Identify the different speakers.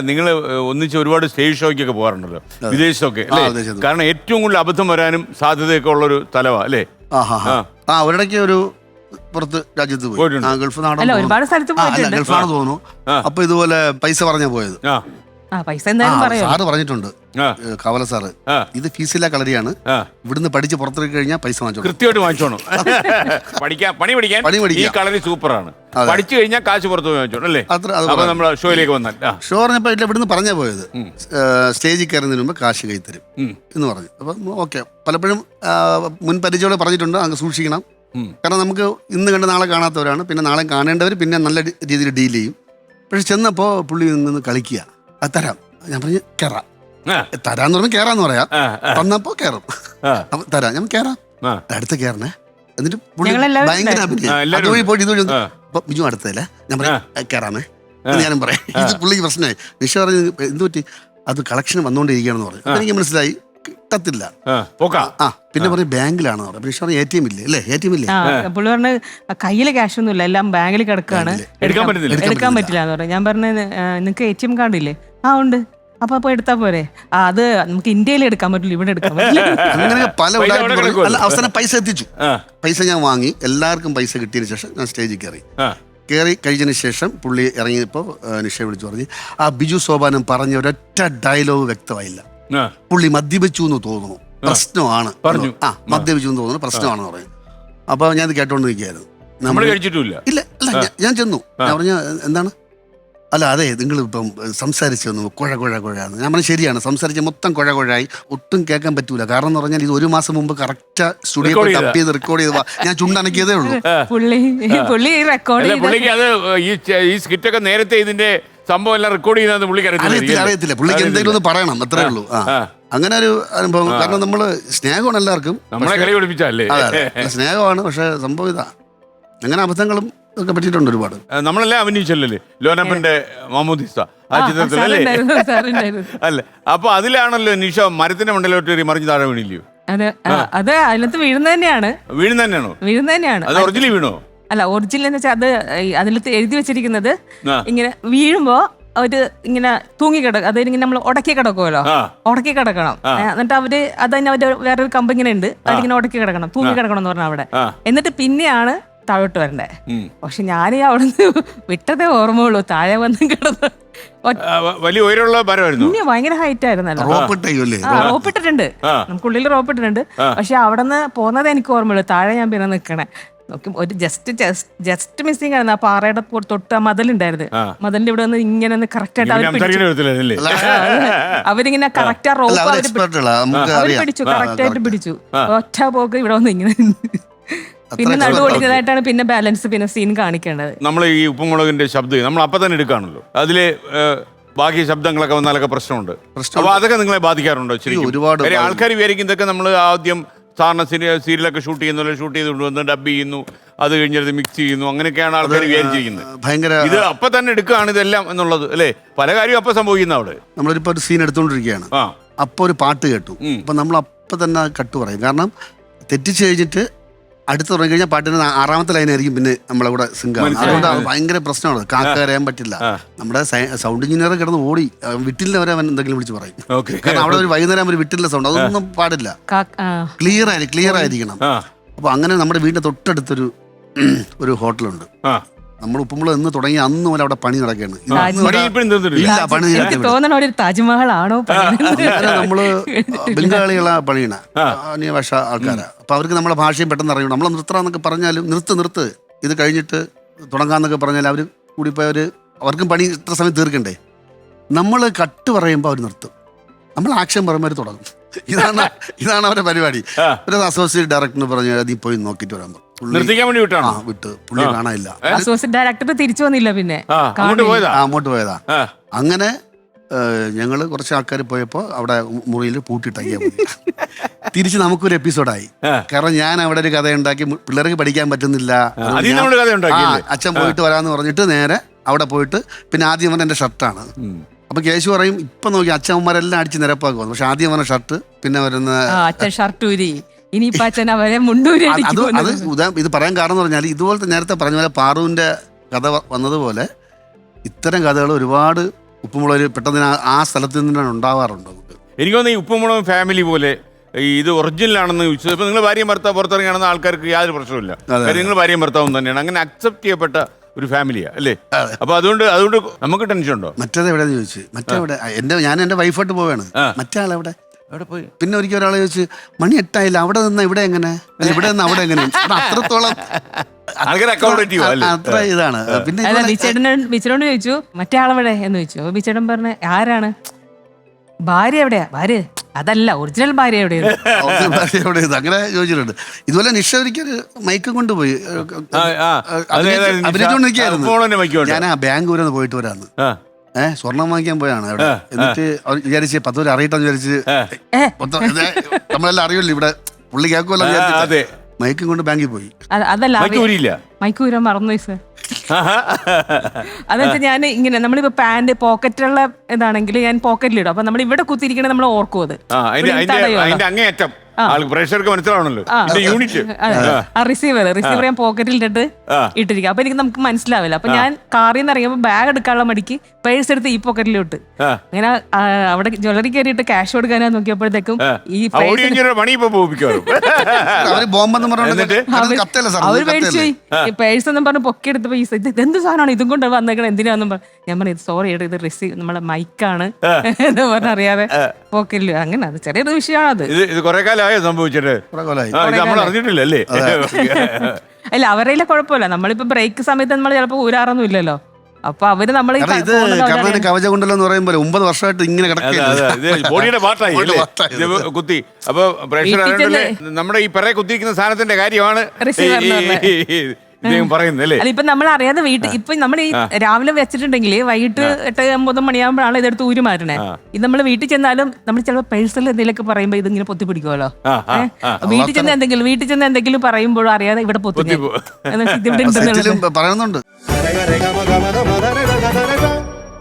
Speaker 1: നിങ്ങൾ ഒന്നിച്ച് ഒരുപാട് സ്റ്റേജ് ഷോയ്ക്കൊക്കെ പോകാറുണ്ടല്ലോ, വിദേശത്തൊക്കെ അല്ലേ? കാരണം ഏറ്റവും കൂടുതൽ അബദ്ധം വരാനും സാധ്യതയൊക്കെ ഉള്ളൊരു സ്ഥലമാണ് അല്ലേ?
Speaker 2: ഒരിടയ്ക്ക് ഒരു പുറത്ത് രാജ്യത്ത് പോയി, ഗൾഫ് നാട്,
Speaker 3: ഒരുപാട് സ്ഥലത്ത്
Speaker 2: ഗൾഫാണ് തോന്നുന്നു. അപ്പൊ ഇതുപോലെ പൈസ പറഞ്ഞാ പോയത്.
Speaker 3: പൈസ എന്തായാലും
Speaker 2: സാറ് പറഞ്ഞിട്ടുണ്ട്, കവല സാറ്, ഇത് ഫീസില്ല കളരിയാണ്, ഇവിടുന്ന് പഠിച്ച് പുറത്തിറക്കി കഴിഞ്ഞാൽ പൈസ വാങ്ങിച്ചോ,
Speaker 1: കൃത്യമായിട്ട് വാങ്ങിച്ചോണം. പണി പഠിക്കാൻ ഈ കളരി സൂപ്പറാണ്, പഠിച്ചു കഴിഞ്ഞാൽ കാശ് പുറത്ത് വാങ്ങിച്ചോണം അല്ലേ? അപ്പൊ നമ്മളെ ഷോയിലേക്ക് വന്നാൽ ഷോ
Speaker 2: പറഞ്ഞപ്പോ ഇവിടുന്ന് പറഞ്ഞാ പോയത്, സ്റ്റേജിൽ കയറുന്നതിന് മുമ്പ് കാശ് കൈ തരും എന്ന് പറഞ്ഞു. അപ്പൊ ഓക്കെ, പലപ്പോഴും മുൻ പരിചയോടെ പറഞ്ഞിട്ടുണ്ട്, അങ്ങ് സൂക്ഷിക്കണം. കാരണം നമുക്ക് ഇന്ന് കണ്ട് നാളെ കാണാത്തവരാണ്, പിന്നെ നാളെ കാണേണ്ടവർ, പിന്നെ നല്ല രീതിയിൽ ഡീൽ ചെയ്യും. പക്ഷെ ചെന്നപ്പോ പുള്ളി നിന്ന് കളിക്കുക, അത് തരാം. ഞാൻ പറഞ്ഞു കയറാം, തരാന്ന് പറഞ്ഞാൽ കേറാന്ന് പറയാം. തന്നപ്പോ കേറും, തരാം, ഞാൻ കേറാം, അടുത്ത് കേറണേ. എന്നിട്ട് പുള്ളി ഭയങ്കര അതുവഴി പോയിട്ട് ഇതുവഴി ബിജു അടുത്തല്ലേ, ഞാൻ പറയാം കേറാമേ എന്ന് ഞാനും പറയാം. ഇത് പുള്ളിക്ക് പ്രശ്നമായി. നിഷ പറഞ്ഞു എന്ത് പറ്റി, അത് കളക്ഷൻ വന്നുകൊണ്ടിരിക്കുകയാണെന്ന് പറഞ്ഞു. അപ്പൊ എനിക്ക് മനസ്സിലായി കിട്ടത്തില്ല. പിന്നെ പറഞ്ഞു ബാങ്കിലാണെന്ന് പറഞ്ഞു. നിഷ പറഞ്ഞു ATM ഇല്ലേ അല്ലേ, ATM ഇല്ലേ?
Speaker 3: പുള്ളി പറഞ്ഞ് കയ്യില് ക്യാഷ് ഒന്നും ഇല്ല, എല്ലാം ബാങ്കിൽ കിടക്കുകയാണ്, എടുക്കാൻ പറ്റില്ല എന്ന് പറഞ്ഞു. ഞാൻ പറഞ്ഞു നിങ്ങക്ക് ATM കാർഡ് ഇല്ലേ? ഉണ്ട്. അപ്പൊ എടുത്താ പോരെ? അത് നമുക്ക് ഇന്ത്യയിൽ എടുക്കാൻ പറ്റില്ല, ഇവിടെ എടുക്കാൻ പറ്റില്ല.
Speaker 2: അങ്ങനെ പല അവസാനം പൈസ എത്തിച്ചു. പൈസ ഞാൻ വാങ്ങി, എല്ലാവർക്കും പൈസ കിട്ടിയതിന് ശേഷം ഞാൻ സ്റ്റേജിൽ കയറി കഴിഞ്ഞതിന് ശേഷം പുള്ളി ഇറങ്ങിയപ്പോൾ നിഷ വിളിച്ചു പറഞ്ഞു, ആ ബിജു സോപാനം പറഞ്ഞ ഒരൊറ്റ ഡയലോഗ് വ്യക്തമായില്ല, പുള്ളി മദ്യപിച്ചു എന്ന് തോന്നുന്നു, പ്രശ്നമാണ് പറഞ്ഞു. മദ്യപിച്ചു എന്ന് തോന്നുന്നു, പ്രശ്നമാണെന്ന് പറഞ്ഞു. അപ്പൊ ഞാൻ ഇത് കേട്ടോണ്ട് നിൽക്കുകയായിരുന്നു. ഇല്ല അല്ല, ഞാൻ ചെന്നു, ഞാൻ പറഞ്ഞു എന്താണ്? അല്ല അതെ, നിങ്ങൾ ഇപ്പം സംസാരിച്ചു വന്നു കുഴാന്ന്. ഞാൻ പറഞ്ഞു ശരിയാണ്, സംസാരിച്ച മൊത്തം കുഴായി, ഒട്ടും കേൾക്കാൻ പറ്റൂല. കാരണം എന്ന് പറഞ്ഞാൽ ഇത് 1 മാസം മുമ്പ് കറക്റ്റ് സ്റ്റുഡിയോ ടപ്പ് ചെയ്ത് റെക്കോർഡ് ചെയ്ത് ഞാൻ ചുണ്ടനക്കിയതേ ഉള്ളൂ.
Speaker 1: ഈ സ്കിറ്റൊക്കെ നേരത്തെ ഇതിന്റെ സംഭവം എല്ലാം റെക്കോർഡ് ചെയ്യുന്നത് പുള്ളിക്ക്
Speaker 2: അറിയത്തില്ല. പുള്ളിക്ക് എന്തെങ്കിലും ഒന്ന് പറയണം, അത്രേ ഉള്ളൂ. അങ്ങനെ ഒരു അനുഭവം. കാരണം നമ്മള് സ്നേഹമാണ് എല്ലാവർക്കും,
Speaker 1: നമ്മളെ കളി പഠിപ്പിച്ചല്ലേ,
Speaker 2: സ്നേഹമാണ്. പക്ഷെ സംഭവം ഇതാ, അങ്ങനെ അബദ്ധങ്ങളും ഒക്കെ പറ്റിയിട്ടുണ്ട് ഒരുപാട്.
Speaker 1: നമ്മളെല്ലാം അഭിനയിച്ചല്ലേ ലോനപ്പന്റെ മാമോദിസ ആ ചിത്രത്തിലല്ലേ അല്ലേ? അപ്പൊ അതിലാണല്ലോ നിഷ മരത്തിന്റെ മണ്ടലോട്ട് മറിഞ്ഞ് താഴെ വീണില്ലയോ?
Speaker 3: അത് അതിനകത്ത് വീഴുന്ന തന്നെയാണ്.
Speaker 1: അത് ഒറിജിനൽ വീണോ?
Speaker 3: അല്ല, ഒറിജിനൽ എന്ന് വെച്ചാൽ അത് അതിനകത്ത് എഴുതി വെച്ചിരിക്കുന്നത് ഇങ്ങനെ വീഴുമ്പോ അവര് ഇങ്ങനെ തൂങ്ങിക്കിടക്കും, അതായത് ഇങ്ങനെ നമ്മൾ ഉടക്കി കിടക്കുമല്ലോ, ഉടക്കി കിടക്കണം. എന്നിട്ട് അവര് അതന്നെ അവര് വേറൊരു കമ്പ് ഇങ്ങനെ ഉണ്ട്, അതിങ്ങനെ ഉടക്കി കിടക്കണം, തൂങ്ങി കിടക്കണം എന്ന് പറഞ്ഞാൽ അവിടെ. എന്നിട്ട് പിന്നെയാണ് താഴോട്ട് വരണ്ടേ. പക്ഷെ ഞാൻ അവിടുന്ന് വിട്ടതേ ഓർമ്മയുള്ളൂ, താഴെ വന്ന് കിടന്ന്.
Speaker 1: വലിയ ഉയരമുള്ള മരമായിരുന്നു,
Speaker 3: ഭയങ്കര ഹൈറ്റ് ആയിരുന്നല്ലോ. റോപ്പിട്ടിട്ടുണ്ട്, നമുക്കുള്ളിൽ റോപ്പിട്ടിട്ടുണ്ട്. പക്ഷെ അവിടെ നിന്ന് പോകുന്നത് എനിക്ക് ഓർമ്മയുള്ളൂ, താഴെ ഞാൻ പിന്നെ നിൽക്കണേ നോക്കി. ഒരു ജസ്റ്റ് മിസ്സിംഗ് ആയിരുന്നു. ആ പാറയുടെ തൊട്ട് മതിലുണ്ടായിരുന്നു, മതിലിന്റെ ഇവിടെ വന്ന് ഇങ്ങനെ ഒന്ന് കറക്റ്റ് ആയിട്ട് അവരിങ്ങനെ കറക്റ്റ് ആ റോപ്പ് അവര് പിടിച്ചു, കറക്റ്റ് ആയിട്ട് പിടിച്ചു. ഒറ്റ പോക്ക് ഇവിടെ വന്ന് ഇങ്ങനെ പിന്നെ നടുവൊടിക്കുന്നതായിട്ടാണ് പിന്നെ ബാലൻസ് പിന്നെ സീൻ കാണിക്കേണ്ടത്.
Speaker 1: നമ്മൾ ഈ ഉപ്പുമുളകിന്റെ ശബ്ദം നമ്മൾ അപ്പൊ തന്നെ എടുക്കാണല്ലോ, അതില് ബാക്കി ശബ്ദങ്ങളൊക്കെ വന്നാലൊക്കെ പ്രശ്നമുണ്ട്. അപ്പൊ അതൊക്കെ നിങ്ങളെ ബാധിക്കാറുണ്ടോ? ഒരുപാട് ആൾക്കാർ വിചാരിക്കും ഇതൊക്കെ നമ്മൾ ആദ്യം സാറിന് സീരിയലൊക്കെ ഷൂട്ട് ചെയ്ത് കൊണ്ടുവന്ന് ഡബ് ചെയ്യുന്നു, അത് കഴിഞ്ഞത് മിക്സ് ചെയ്യുന്നു, അങ്ങനെയൊക്കെയാണ് ആൾക്കാർ വിചാരിച്ചിരിക്കുന്നത്. ഭയങ്കര ഇത് അപ്പൊ തന്നെ എടുക്കുകയാണ് ഇതെല്ലാം എന്നുള്ളത് അല്ലേ? പല കാര്യവും അപ്പൊ സംഭവിക്കുന്ന. അവിടെ
Speaker 2: നമ്മളിപ്പോ ഒരു സീൻ എടുത്തോണ്ടിരിക്കുകയാണ്, അപ്പൊ ഒരു പാട്ട് കേട്ടു, അപ്പൊ നമ്മൾ അപ്പൊ തന്നെ കട്ട് പറയും. കാരണം തെറ്റിച്ച് കഴിഞ്ഞിട്ട് അടുത്ത് തുടങ്ങി കഴിഞ്ഞാൽ പാട്ടിന് 6ാമത്തെ ലൈനായിരിക്കും പിന്നെ നമ്മളെ കൂടെ സിംഗാണ്. അതുകൊണ്ട് ഭയങ്കര പ്രശ്നമാണ്, കാക്കറിയാൻ പറ്റില്ല. നമ്മുടെ സൗണ്ട് എഞ്ചിനീയർ കിടന്ന് ഓടി വിട്ടില്ല അവരെ അവൻ എന്തെങ്കിലും വിളിച്ച് പറയും. കാരണം അവിടെ ഒരു വൈകുന്നേരം ഒരു വിട്ടില്ല സൗണ്ട്, അതൊന്നും പാടില്ല, ക്ലിയർ ആയിരിക്കണം. അപ്പൊ അങ്ങനെ നമ്മുടെ വീടിന്റെ തൊട്ടടുത്തൊരു ഹോട്ടലുണ്ട്. നമ്മൾ ഉപ്പുമുളക് എന്ന് തുടങ്ങി അന്ന് പോലെ അവിടെ പണി നടക്കുകയാണ്.
Speaker 3: താജ്മഹലാണോ?
Speaker 2: നമ്മള് ബംഗാളികളാ പണിയണ അന്യഭാഷ ആൾക്കാരാ. അപ്പൊ അവർക്ക് നമ്മളെ ഭാഷയും പെട്ടെന്ന് അറിയണം. നമ്മളെ നിർത്തണമെന്നൊക്കെ പറഞ്ഞാലും നിർത്ത് ഇത് കഴിഞ്ഞിട്ട് തുടങ്ങാന്നൊക്കെ പറഞ്ഞാൽ അവർ കൂടിപ്പോയവര് അവർക്കും പണി ഇത്ര സമയം തീർക്കണ്ടേ. നമ്മൾ കട്ട് പറയുമ്പോൾ അവർ നിർത്തും, നമ്മൾ ആക്ഷൻ പറയുമ്പോൾ അവർ തുടങ്ങും. ഇതാണ് അവരുടെ പരിപാടി. ഒരു അസോസിയേറ്റ് ഡയറക്ടർ പറഞ്ഞു നീ പോയി നോക്കിട്ട് വരാൻ പറഞ്ഞു. വിട്ട് പുള്ളി കാണാനില്ല.
Speaker 3: ഡയറക്ടർ തിരിച്ചു വന്നില്ല, പിന്നെ
Speaker 2: അങ്ങോട്ട് പോയതാ. അങ്ങനെ ഞങ്ങള് കുറച്ച് ആൾക്കാർ പോയപ്പോ അവിടെ മുറിയിൽ പൂട്ടിട്ടങ്ങിയ തിരിച്ച് നമുക്കൊരു എപ്പിസോഡായി. കാരണം ഞാൻ അവിടെ ഒരു കഥ ഉണ്ടാക്കി, പിള്ളേർക്ക് പഠിക്കാൻ പറ്റുന്നില്ല, അച്ഛൻ പോയിട്ട് വരാന്ന് പറഞ്ഞിട്ട് നേരെ അവിടെ പോയിട്ട് പിന്നെ ആദ്യം പറഞ്ഞ എന്റെ ഷർട്ടാണ്. അപ്പൊ കേശു പറയും ഇപ്പൊ നോക്കി അച്ഛന്മാരെല്ലാം അടിച്ച് നിരപ്പാക്കുന്നു. പക്ഷെ ആദ്യം പറഞ്ഞ ഷർട്ട്, പിന്നെ വരുന്ന ഇത് പറയാൻ കാരണം എന്ന് പറഞ്ഞാൽ ഇതുപോലത്തെ നേരത്തെ പറഞ്ഞ പോലെ പാറുവിന്റെ കഥ വന്നതുപോലെ ഇത്തരം കഥകൾ ഒരുപാട് ഉപ്പുമുളക് പെട്ടെന്ന് ആ സ്ഥലത്ത് നിന്നാണ് ഉണ്ടാവാറുണ്ട് നമുക്ക്.
Speaker 1: എനിക്ക് തോന്നുന്നു ഈ ഉപ്പുമുളകും ഫാമിലി പോലെ ഈ ഇത് ഒറിജിനലാണെന്ന് ചോദിച്ചത് ഇപ്പൊ നിങ്ങൾ ഭാര്യയും ഭർത്താവ് പുറത്തിറങ്ങിയാണെന്ന് ആൾക്കാർക്ക് യാതൊരു പ്രശ്നമില്ല. കാര്യം നിങ്ങൾ ഭാര്യയും ഭർത്താവും തന്നെയാണ്, അങ്ങനെ അക്സെപ്റ്റ് ചെയ്യപ്പെട്ട ഒരു ഫാമിലിയാ അല്ലേ? അപ്പൊ അതുകൊണ്ട് നമുക്ക് ടെൻഷൻ ഉണ്ടോ?
Speaker 2: മറ്റേത് എവിടെയെന്ന് ചോദിച്ചു. മറ്റെവിടെ ഞാൻ എൻ്റെ വൈഫായിട്ട് പോവാണ്. മറ്റേ ആളെവിടെ?
Speaker 1: അവിടെ പോയി.
Speaker 2: പിന്നെ ഒരിക്കൽ ഒരാളെ ചോദിച്ചു, മണി 8 അവിടെ നിന്ന് ഇവിടെ എങ്ങനെ, ഇവിടെ നിന്ന് അവിടെ എങ്ങനെ? അത്രത്തോളം അത്ര ഇതാണ്. പിന്നെ
Speaker 3: അല്ല, ബിച്ചേട്ടനോട് ചോദിച്ചു മറ്റേ ആളെവിടെ എന്ന് ചോദിച്ചു. അപ്പൊ ബിച്ചേട്ടൻ പറഞ്ഞ ആരാണ്? ഭാര്യ എവിടെയാ? ഭാര്യ അതല്ല, ഒറിജിനൽ ഭാര്യ എവിടെയാണ്?
Speaker 2: എവിടെ? അങ്ങനെ ചോദിച്ചിട്ടുണ്ട്. ഇതുപോലെ നിഷ ഒരിക്കൽ മൈക്കും കൊണ്ടുപോയി അഭിനയിച്ചുകൊണ്ടിരിക്കുകയായിരുന്നു. ഞാൻ ആ ബാംഗ്ലൂരിൽ പോയിട്ട് വരാന്ന് സ്വർണം വാങ്ങിക്കാൻ പോയാണ് അവിടെ. എന്നിട്ട് വിചാരിച്ച് 10 പേര് അറിയട്ടെന്ന് വിചാരിച്ച് നമ്മളെല്ലാം അറിയില്ല ഇവിടെ പുള്ളി കേൾക്കുമല്ലോ വിചാരിച്ചിട്ട് മൈക്കും കൊണ്ട് ബാങ്കിൽ പോയി.
Speaker 3: അതല്ല, മൈക്കൂരാൻ മറന്നു സർ. അതെന്ന് വെച്ചാൽ ഞാൻ ഇങ്ങനെ നമ്മളിപ്പോ പാന്റ് പോക്കറ്റുള്ള ഇതാണെങ്കിൽ ഞാൻ പോക്കറ്റിലിടും. അപ്പൊ നമ്മൾ ഇവിടെ കുത്തിരിക്കണേ നമ്മൾ ഓർക്കും. അത്
Speaker 1: അങ്ങേയറ്റം പ്രേക്ഷകർക്ക് മനസ്സിലാവണല്ലോ യൂണിറ്റ്.
Speaker 3: റിസീവർ ഞാൻ പോക്കറ്റിലിട്ടിട്ട് ഇട്ടിരിക്കും. അപ്പൊ നമുക്ക് മനസ്സിലാവില്ല. അപ്പൊ ഞാൻ കാറിൽ നിന്ന് ഇറങ്ങിയപ്പോ ബാഗ് എടുക്കാനുള്ള മടിക്ക് പേഴ്സ് എടുത്ത് ഈ പോക്കറ്റിലിട്ട് അങ്ങനെ അവിടെ ജ്വല്ലറി കയറിയിട്ട് ക്യാഷ് കൊടുക്കാനാ നോക്കിയപ്പോഴത്തേക്കും ഈ അവര് പേടിച്ചു. ഈ പേഴ്സ് എന്നും പറഞ്ഞ് പൊക്കിയെടുത്തപ്പോ ഈ ഇതെന്ത് സാധനമാണ് ഇതും കൊണ്ട് വന്നേക്കണം എന്തിനാന്നും പറഞ്ഞു. ഞാൻ പറഞ്ഞു സോറി ഇത് റിസീവ് നമ്മളെ മൈക്കാണ് എന്ന് പറഞ്ഞറിയാതെ പോക്കറ്റില്. അങ്ങനെ അത് ചെറിയൊരു വിഷയമാണ്. അത്
Speaker 1: സംഭവിച്ചിട്ട് നമ്മൾ അറിഞ്ഞിട്ടില്ലല്ലേ?
Speaker 3: അല്ല അവരെല്ലാം കുഴപ്പമില്ല. നമ്മളിപ്പോ ബ്രേക്ക് സമയത്ത് നമ്മൾ ചിലപ്പോ ഊരാറൊന്നും ഇല്ലല്ലോ. അപ്പൊ അവര് നമ്മൾ
Speaker 2: കവചകുണ്ടലം എന്ന് പറയുമ്പോൾ 9 വർഷമായിട്ട് ഇങ്ങനെ
Speaker 1: ബോഡിയുടെ പാർട്ടായി കുത്തി. അപ്പൊ പ്രേക്ഷകർ നമ്മുടെ ഈ പിറകെ കുത്തിയിരിക്കുന്ന സാധനത്തിന്റെ കാര്യമാണ് പറയുന്നല്ലേ?
Speaker 3: അല്ല, ഇപ്പൊ നമ്മൾ അറിയാതെ വീട്ടിൽ ഇപ്പൊ നമ്മൾ ഈ രാവിലെ വെച്ചിട്ടുണ്ടെങ്കിൽ വൈകിട്ട് 8-9 മണിയാകുമ്പോഴാണ് ഇതെടുത്ത് ഊരി മാറ്റണേ. ഇത് നമ്മൾ വീട്ടിൽ ചെന്നാലും നമ്മൾ ചിലപ്പോൾ പേഴ്സണൽ എന്തെങ്കിലുമൊക്കെ പറയുമ്പോ ഇതിങ്ങനെ പൊത്തി പിടിക്കുമല്ലോ. വീട്ടിൽ ചെന്ന് എന്തെങ്കിലും പറയുമ്പോഴും അറിയാതെ ഇവിടെ പൊത്തി
Speaker 2: പറയുന്നുണ്ട്.